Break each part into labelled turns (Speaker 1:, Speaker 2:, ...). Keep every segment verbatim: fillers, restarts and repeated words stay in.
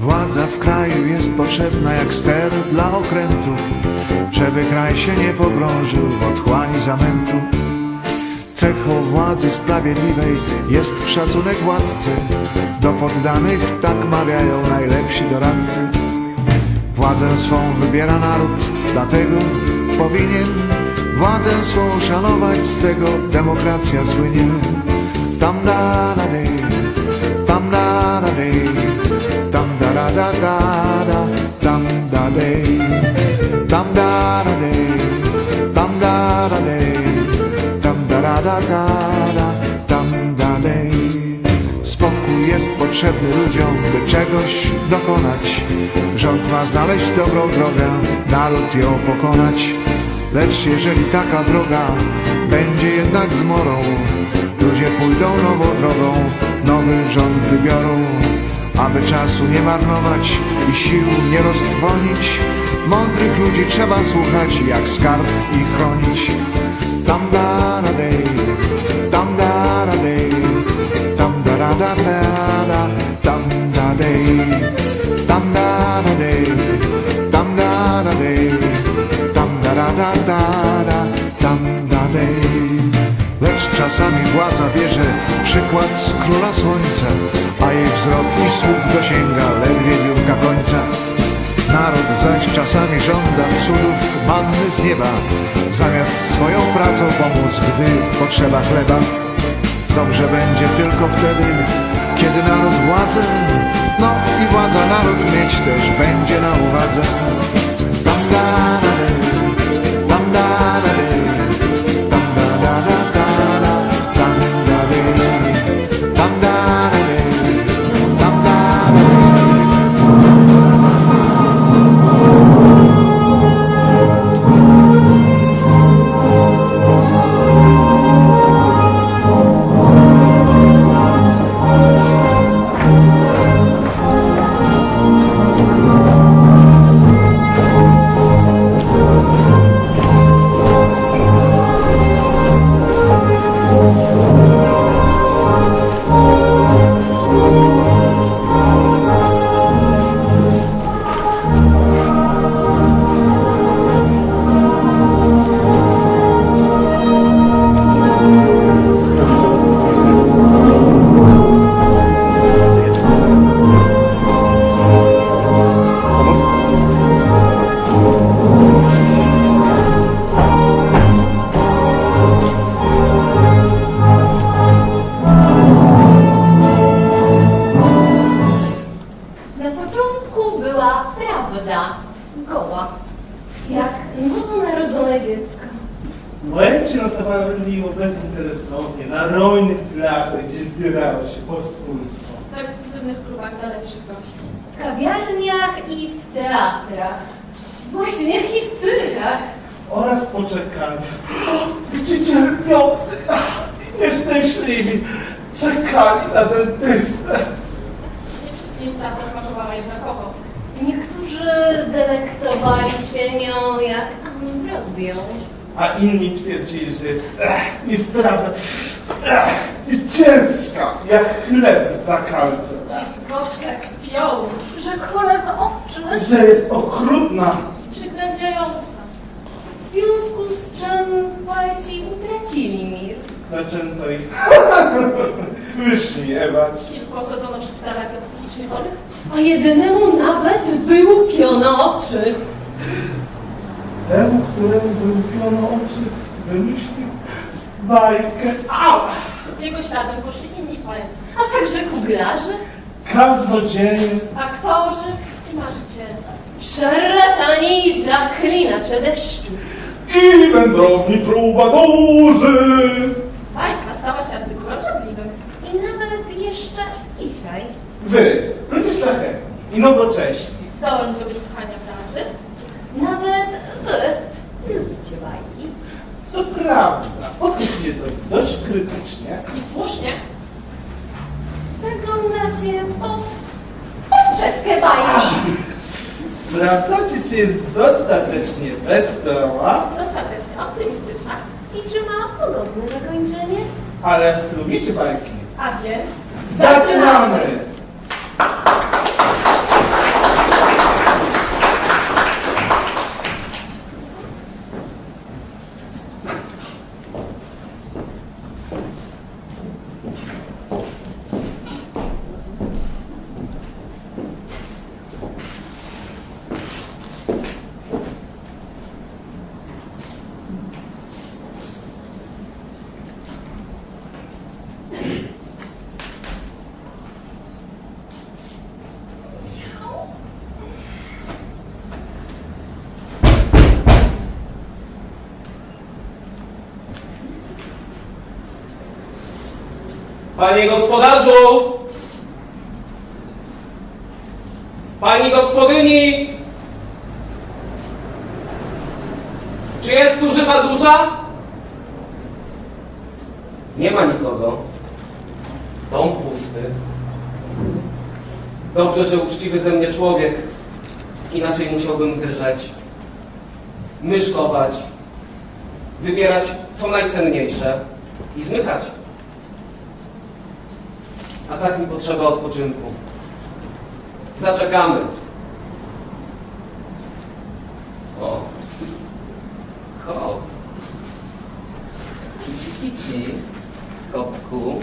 Speaker 1: Władza w kraju jest potrzebna jak ster dla okrętu, żeby kraj się nie pogrążył w otchłani zamętu. Cechą władzy sprawiedliwej jest szacunek władcy, do poddanych tak mawiają najlepsi doradcy. Władzę swą wybiera naród, dlatego powinien władzę swą szanować, z tego demokracja słynie. Tam da da dej, tam da da dej, tam da da da da da, tam da dej, tam da da dej, tam da da dej, tam da da da da da, tam da dej. Spokój jest potrzebny ludziom, by czegoś dokonać. Rząd ma znaleźć dobrą drogę, naród ją pokonać. Lecz jeżeli taka droga będzie jednak zmorą, ludzie pójdą nową drogą, nowy rząd wybiorą. Aby czasu nie marnować i sił nie roztrwonić, mądrych ludzi trzeba słuchać, jak skarb i chronić. Tam da da dej, tam da da dej, tam da da da da, tam da dej, tam da da dej, tam da da dej, tam da da da da, tam da dej. Lecz czasami władza bierze przykład z króla słońca, a jej wzrok i słuch dosięga ledwie biurka końca. Naród zaś czasami żąda cudów manny z nieba, zamiast swoją pracą pomóc, gdy potrzeba chleba. Dobrze będzie tylko wtedy, kiedy naród władzę, no i władza naród mieć też będzie na uwadze. Tam da da dej, tam da da dej, tam da da da da, tam da dej, tam da da dej, tam da da dej.
Speaker 2: Bezinteresownie, na rojnych placach, gdzie zbierało się pospólstwo.
Speaker 3: W ekskluzywnych klubach dla lepszych gości. W kawiarniach i w teatrach. Właśnie jak i w cyrkach.
Speaker 2: Oraz poczekalniach, gdzie cierpiący i nieszczęśliwi czekali na dentystę.
Speaker 3: Nie wszystkim ta smakowała jednakowo. Niektórzy delektowali się nią jak ambrozją.
Speaker 2: A inni twierdzili, że jest ech, niestrawna ech, i ciężka jak chleb z zakalcem.
Speaker 3: Jest gorzka jak pioł, że kole w oczy.
Speaker 2: Że jest okrutna.
Speaker 3: Przygnębiająca. W związku z czym poeci utracili mir.
Speaker 2: Zaczęto ich wyśmiewać.
Speaker 3: Kilku osadzono w szpitalach dla psychicznie chorych, a jedynemu nawet wyłupiono oczy.
Speaker 2: Temu, któremu wyłupiono oczy, wymyślił bajkę. Au!
Speaker 3: Jego śladem poszli inni poeci, a także kuglarze,
Speaker 2: Kaznodzieje,
Speaker 3: aktorzy i marzyciele. Szarlatani i zaklinacze deszczu.
Speaker 2: i wędrowni trubadurzy.
Speaker 3: Bajka stała się artykułem modliwym. I nawet jeszcze dzisiaj.
Speaker 2: Wy, ludzie szlachetni i nowocześni,
Speaker 3: Zdolni do wysłuchania prawdy. Nawet wy lubicie bajki.
Speaker 2: co prawda, podchodzicie do nich dość krytycznie.
Speaker 3: I słusznie. Zaglądacie pod podszewkę bajki.
Speaker 2: Sprawdzacie, czy jest dostatecznie wesoła,
Speaker 3: Dostatecznie optymistyczna. I czy ma pogodne zakończenie?
Speaker 2: ale lubicie bajki.
Speaker 3: A więc
Speaker 2: Zaczynamy!
Speaker 4: Panie gospodarzu! Pani gospodyni! Czy jest tu żywa dusza? Nie ma nikogo. Dom pusty. Dobrze, że uczciwy ze mnie człowiek. Inaczej musiałbym drżeć, myszkować, wybierać co najcenniejsze i zmykać. A tak mi potrzeba odpoczynku. Zaczekamy. O, kot. Kici, kici, kotku,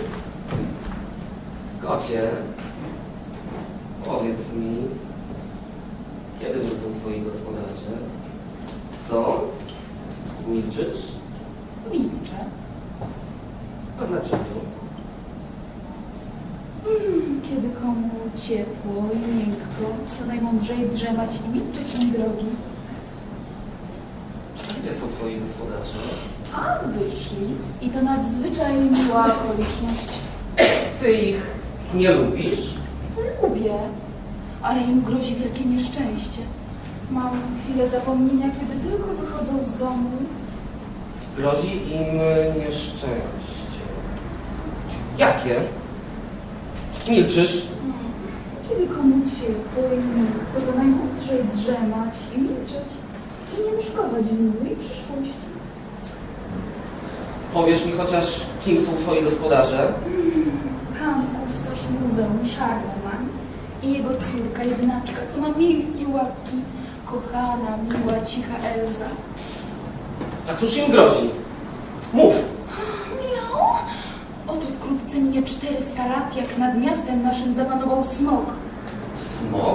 Speaker 4: kocie, powiedz mi, kiedy wrócą twoi gospodarze? Co? Milczysz?
Speaker 5: Milczę.
Speaker 4: A dlaczego?
Speaker 5: Mm, Kiedy komu ciepło i miękko, to najmądrzej drzemać i milczeć, mój drogi.
Speaker 4: A gdzie są twoi gospodarze?
Speaker 5: A wyszli i to nadzwyczaj miła okoliczność.
Speaker 4: Ty ich nie lubisz?
Speaker 5: Lubię, ale im grozi wielkie nieszczęście. Mam chwilę zapomnienia, kiedy tylko wychodzą z domu.
Speaker 4: Grozi im nieszczęście. Jakie? Milczysz?
Speaker 5: Kiedy komu ciepło i miękko, to najmądrzej drzemać i milczeć i nie myszkować w miłej przyszłości.
Speaker 4: Powiesz mi chociaż, kim są twoi gospodarze?
Speaker 5: Pan kustosz muzeum Charlemagne i jego córka jednaczka, co ma miękkie łapki, kochana, miła, cicha Elza.
Speaker 4: A cóż im grozi? Mów!
Speaker 5: Miał? Oto wkrótce minie czterysta lat, jak nad miastem naszym zapanował smok.
Speaker 4: Smok?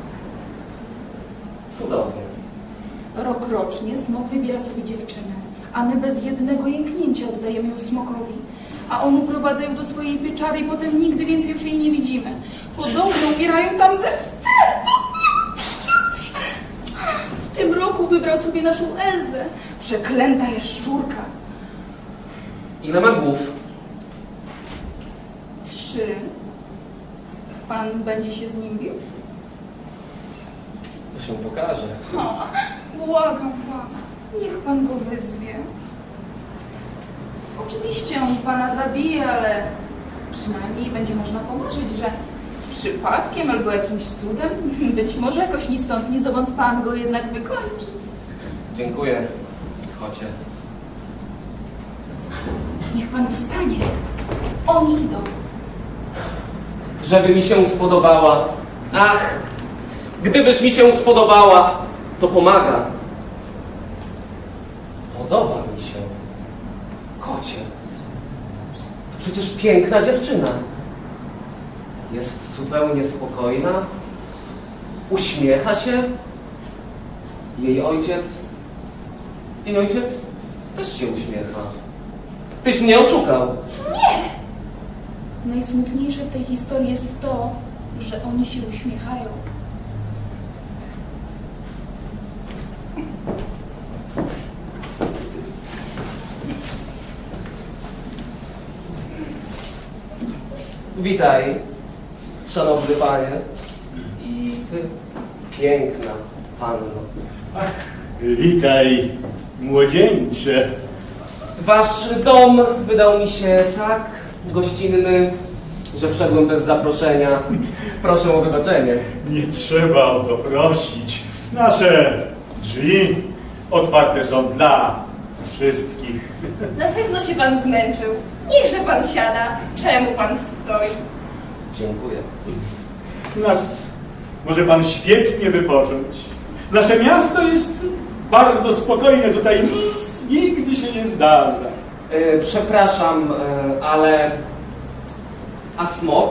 Speaker 4: Cudownie.
Speaker 5: Rokrocznie smok wybiera sobie dziewczynę, a my bez jednego jęknięcia oddajemy ją smokowi. A on uprowadza ją do swojej pieczary i potem nigdy więcej już jej nie widzimy. Podobno umierają tam ze wstydu. W tym roku wybrał sobie naszą Elzę. Przeklęta jaszczurka.
Speaker 4: Ile ma głów?
Speaker 5: Trzy. Pan będzie się z nim bił?
Speaker 4: To się pokaże.
Speaker 5: Ha, błagam pana, niech pan go wyzwie. Oczywiście on pana zabije, ale przynajmniej będzie można pomarzyć, że przypadkiem albo jakimś cudem, być może jakoś ni stąd, ni zowąd pan go jednak wykończy.
Speaker 4: Dziękuję, kocie.
Speaker 5: Niech pan wstanie. Oni idą.
Speaker 4: Żeby mi się spodobała. Ach, gdybyś mi się spodobała, to pomaga. Podoba mi się. Kocie. To przecież piękna dziewczyna. Jest zupełnie spokojna. Uśmiecha się. Jej ojciec... Jej ojciec też się uśmiecha. Tyś mnie oszukał.
Speaker 5: Nie! Najsmutniejsze w tej historii jest to, że oni się uśmiechają.
Speaker 4: Witaj, szanowny panie. I ty, piękna panno.
Speaker 6: Ach, witaj, młodzieńcze.
Speaker 4: Wasz dom wydał mi się tak gościnny, że wszedłem bez zaproszenia. Proszę o wybaczenie.
Speaker 6: Nie trzeba o to prosić. Nasze drzwi otwarte są dla wszystkich.
Speaker 3: Na pewno się pan zmęczył. Niechże pan siada. Czemu pan stoi?
Speaker 4: Dziękuję.
Speaker 6: Nas może pan świetnie wypocząć. Nasze miasto jest bardzo spokojne. Tutaj nic nigdy się nie zdarza.
Speaker 4: E, przepraszam, e, ale... A smok?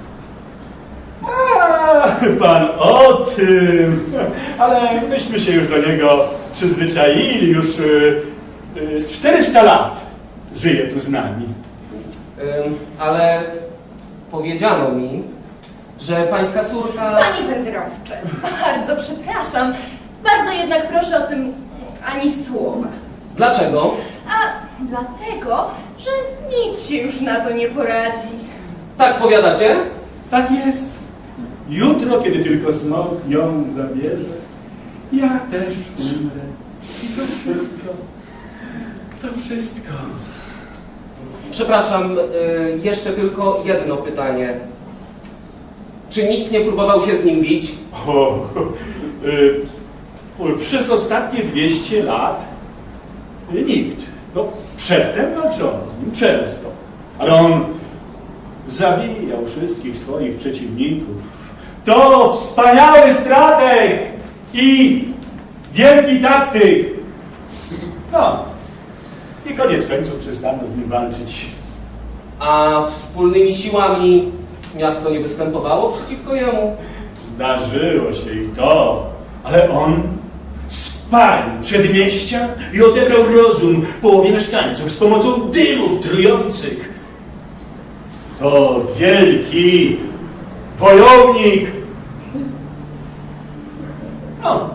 Speaker 6: A, pan o tym. Ale myśmy się już do niego przyzwyczaili. Już y, y, czterysta lat żyje tu z nami.
Speaker 4: E, ale powiedziano mi, że pańska córka...
Speaker 3: Pani wędrowcze, bardzo przepraszam. Bardzo jednak proszę o tym ani słowa.
Speaker 4: Dlaczego?
Speaker 3: A dlatego, że nic się już na to nie poradzi.
Speaker 4: Tak powiadacie?
Speaker 6: Tak jest. Jutro, kiedy tylko smok ją zabierze, ja też umrę. I to wszystko. To wszystko.
Speaker 4: Przepraszam, y, jeszcze tylko jedno pytanie. Czy nikt nie próbował się z nim bić?
Speaker 6: O, y, y, przez ostatnie dwieście lat y, nikt. No, przedtem walczono z nim często, ale on zabijał wszystkich swoich przeciwników. To wspaniały strateg i wielki taktyk. No, i koniec końców przestano z nim walczyć.
Speaker 4: A wspólnymi siłami miasto nie występowało przeciwko jemu?
Speaker 6: Zdarzyło się i to, ale on spalił przedmieścia i odebrał rozum połowie mieszkańców z pomocą dymów trujących. To wielki wojownik. No,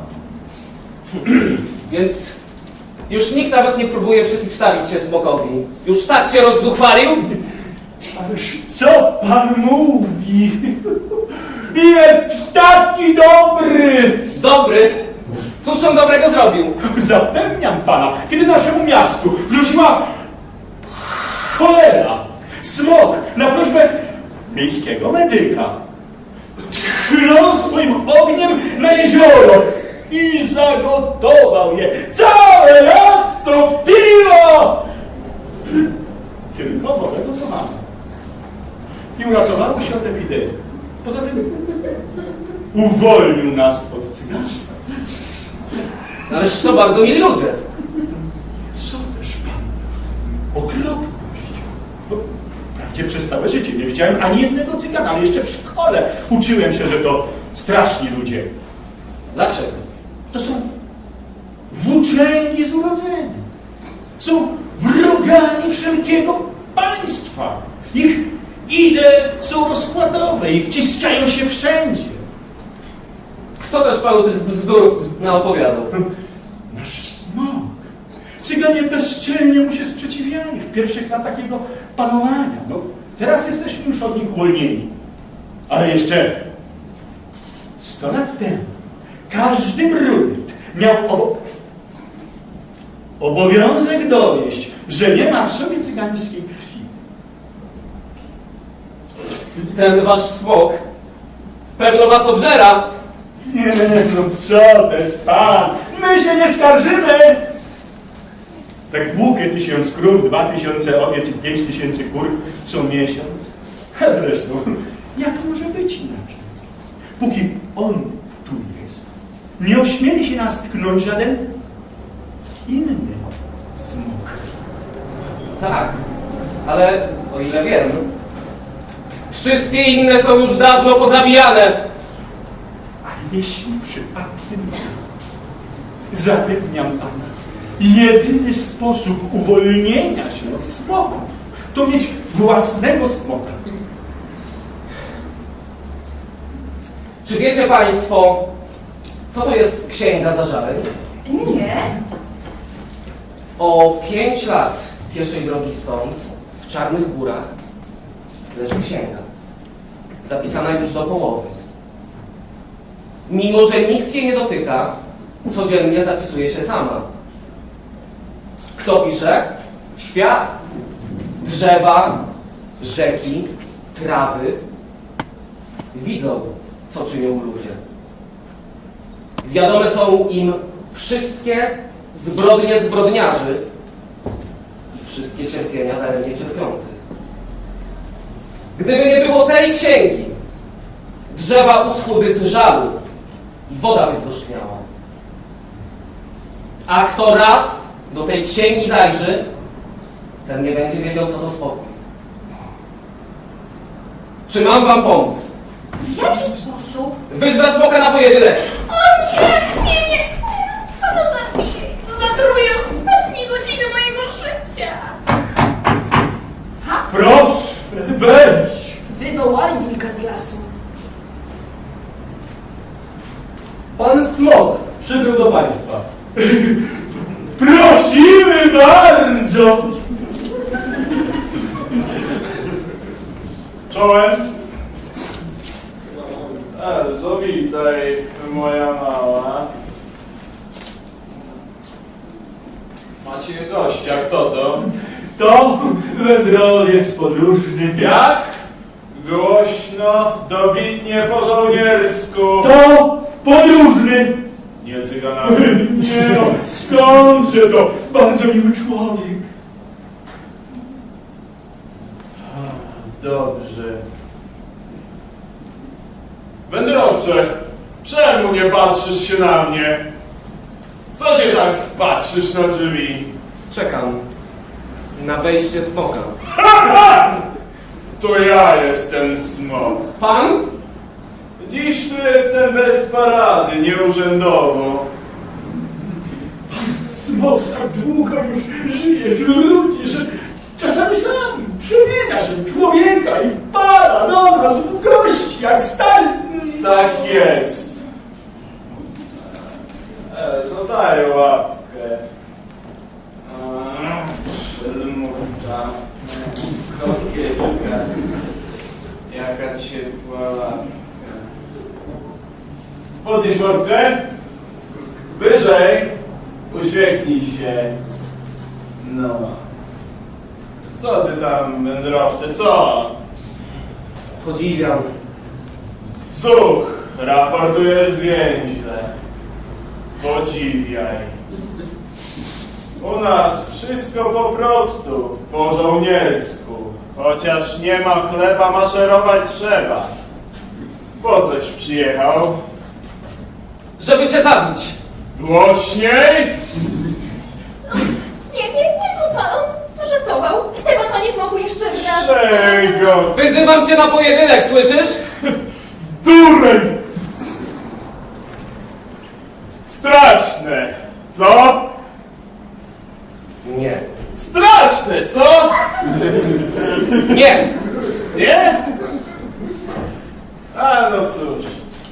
Speaker 4: Więc już nikt nawet nie próbuje przeciwstawić się smokowi. Już tak się rozzuchwalił?
Speaker 6: ależ co pan mówi? Jest taki dobry!
Speaker 4: Dobry! Cóż on dobrego zrobił?
Speaker 6: Zapewniam pana, kiedy naszemu miastu groziła cholera, smok na prośbę miejskiego medyka tchnął swoim ogniem na jezioro i zagotował je. Całe miasto piło! Tylko wodę gotowano. I uratowało się od epidemii. Poza tym uwolnił nas od cygarstwa.
Speaker 4: Ależ to bardzo mili ludzie.
Speaker 6: Co też pan? Okropność. No, wprawdzie przez całe życie nie widziałem ani jednego cygana, ale jeszcze w szkole uczyłem się, że to straszni ludzie.
Speaker 4: Dlaczego?
Speaker 6: To są włóczęgi z urodzenia. Są wrogami wszelkiego państwa. Ich idee są rozkładowe i wciskają się wszędzie.
Speaker 4: Kto też panu tych bzdur naopowiadał?
Speaker 6: Nasz smok. Cyganie bezczelnie mu się sprzeciwiali w pierwszych latach jego panowania. No, teraz jesteśmy już od nich uwolnieni. Ale jeszcze sto lat temu każdy brunet miał obo obowiązek dowieść, że nie ma w sobie cygańskiej krwi.
Speaker 4: Ten wasz smok pewno was obżera.
Speaker 6: Nie, no co też pan, my się nie skarżymy. Tak głupie tysiąc krów, dwa tysiące owiec i pięć tysięcy kur co miesiąc. A zresztą, jak może być inaczej? Póki on tu jest, nie ośmieli się nas tknąć żaden inny smok.
Speaker 4: Tak, ale o ile wiem, wszystkie inne są już dawno pozabijane.
Speaker 6: A jeśli przypadkiem, zapewniam pana, jedyny sposób uwolnienia się od smoków to mieć własnego smoka.
Speaker 4: Czy wiecie państwo, co to jest księga zażaleń?
Speaker 5: Nie.
Speaker 4: O pięć lat pieszej drogi stąd, w Czarnych Górach, leży księga. Zapisana już do połowy. Mimo że nikt jej nie dotyka, codziennie zapisuje się sama. Kto pisze? Świat. Drzewa, rzeki, trawy widzą, co czynią ludzie. Wiadome są im wszystkie zbrodnie zbrodniarzy i wszystkie cierpienia daremnie cierpiących. Gdyby nie było tej księgi, drzewa uschłyby z żalu i woda by zgorzkniała. A kto raz do tej księgi zajrzy, ten nie będzie wiedział, co to spokój. Czy mam wam pomóc?
Speaker 3: W jaki sposób?
Speaker 4: Wyzwę smoka na pojedynek!
Speaker 3: O nie, nie, nie! Ono zabije! Zatruje ostatnie godziny mojego życia!
Speaker 6: Proszę, weź!
Speaker 5: Wywołali wilka z lasu.
Speaker 4: Pan smok przybył do państwa.
Speaker 6: Prosimy bardzo! Czołem. E, zawitaj, moja mała.
Speaker 2: Macie gościa, kto to?
Speaker 6: To wędrowiec podróżny.
Speaker 2: Jak? Głośno, dobitnie po żołniersku.
Speaker 6: To podróżny.
Speaker 2: Nie cyganowy.
Speaker 6: Nie no, skądże to? Bardzo miły człowiek.
Speaker 2: Dobrze. Wędrowcze, czemu nie patrzysz się na mnie? Co się tak patrzysz na drzwi?
Speaker 4: Czekam na wejście smoka.
Speaker 2: To ja jestem smok.
Speaker 4: Pan?
Speaker 2: Dziś tu jestem bez parady, nieurzędowo.
Speaker 6: Smok tak długo już żyje wśród ludzi, że czasami sam przemienia się w człowieka i wpada do nas w gości, jak stary.
Speaker 2: Tak jest. E, co daje łapkę? A, Szelmuta. Kokietka. Jaka ciepła łapka. Podnieś łapkę. Wyżej. Uśmiechnij się. No. Co ty tam, wędrowcze, co?
Speaker 4: Podziwiam.
Speaker 2: Zuch, raportujesz zwięźle. Podziwiaj. U nas wszystko po prostu, po żołniersku. Chociaż nie ma chleba, maszerować trzeba. Po coś przyjechał?
Speaker 4: Żeby cię zabić.
Speaker 2: Głośniej!
Speaker 3: Nie, nie, nie, no pan, on żartował. Chce pan, panie smoku, jeszcze raz?
Speaker 2: Czego?
Speaker 4: Wyzywam cię na pojedynek, słyszysz?
Speaker 2: Dureń! Straszne, co?
Speaker 4: Nie.
Speaker 2: Straszne, co?
Speaker 4: Nie!
Speaker 2: Nie? A no cóż.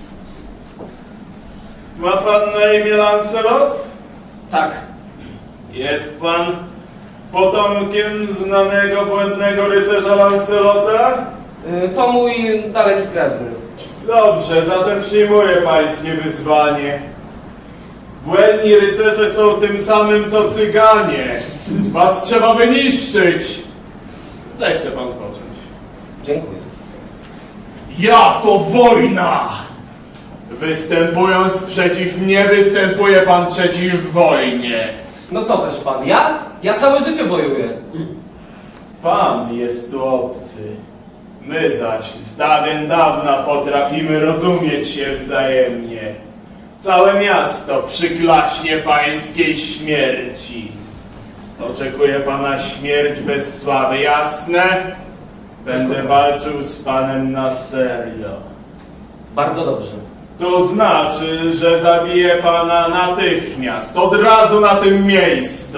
Speaker 2: Ma pan na imię Lancelot?
Speaker 4: Tak.
Speaker 2: Jest pan potomkiem znanego błędnego rycerza Lancelota?
Speaker 4: Y, To mój daleki krewny.
Speaker 2: Dobrze, zatem przyjmuję pańskie wyzwanie. Błędni rycerze są tym samym co cyganie. Was trzeba wyniszczyć. Zechce pan spocząć.
Speaker 4: Dziękuję.
Speaker 2: Ja to wojna! Występując przeciw mnie, występuje pan przeciw wojnie.
Speaker 4: No co też pan? Ja? Ja całe życie wojuję.
Speaker 2: Pan jest tu obcy. My zaś z dawien dawna potrafimy rozumieć się wzajemnie. Całe miasto przyklaśnie pańskiej śmierci. Oczekuje pana śmierć bez sławy, jasne? Będę walczył z panem na serio.
Speaker 4: Bardzo dobrze.
Speaker 2: To znaczy, że zabiję pana natychmiast, od razu na tym miejscu.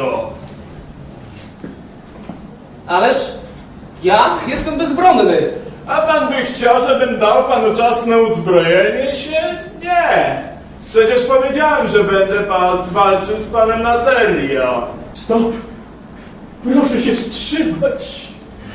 Speaker 4: Ależ ja jestem bezbronny.
Speaker 2: A pan by chciał, żebym dał panu czas na uzbrojenie się? Nie. Przecież powiedziałem, że będę pan walczył z panem na serio.
Speaker 6: Stop! Proszę się wstrzymać!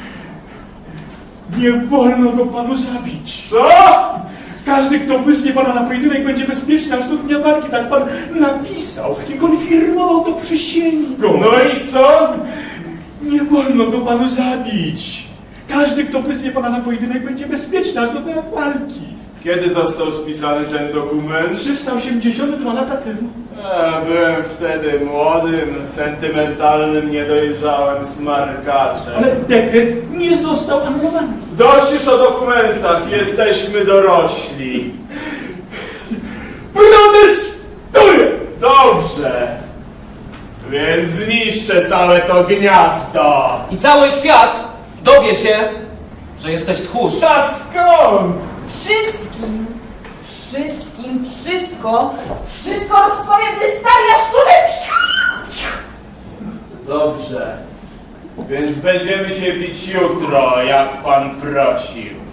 Speaker 6: Nie wolno go panu zabić!
Speaker 2: Co?
Speaker 6: Każdy, kto wyzwie pana na pojedynek, będzie bezpieczny aż do dnia walki. Tak pan napisał i konfirmował to przysięgą.
Speaker 2: No i co?
Speaker 6: Nie wolno go panu zabić! Każdy, kto wyzwie pana na pojedynek, będzie bezpieczny aż do dnia walki.
Speaker 2: Kiedy został spisany ten dokument?
Speaker 6: trzysta osiemdziesiąt dwa lata temu.
Speaker 2: A, byłem wtedy młodym, sentymentalnym, niedojrzałym smarkaczem.
Speaker 6: Ale dekret nie został anulowany.
Speaker 2: Dość już o dokumentach, jesteśmy dorośli.
Speaker 6: Protestuję!
Speaker 2: Dobrze. Więc zniszczę całe to gniazdo.
Speaker 4: I cały świat dowie się, że jesteś tchórz.
Speaker 2: A skąd?
Speaker 7: Wszystkim, wszystkim, wszystko, wszystko rozpowiem, ty stary jaszczurze!
Speaker 2: Dobrze. Więc będziemy się bić jutro, jak pan prosił.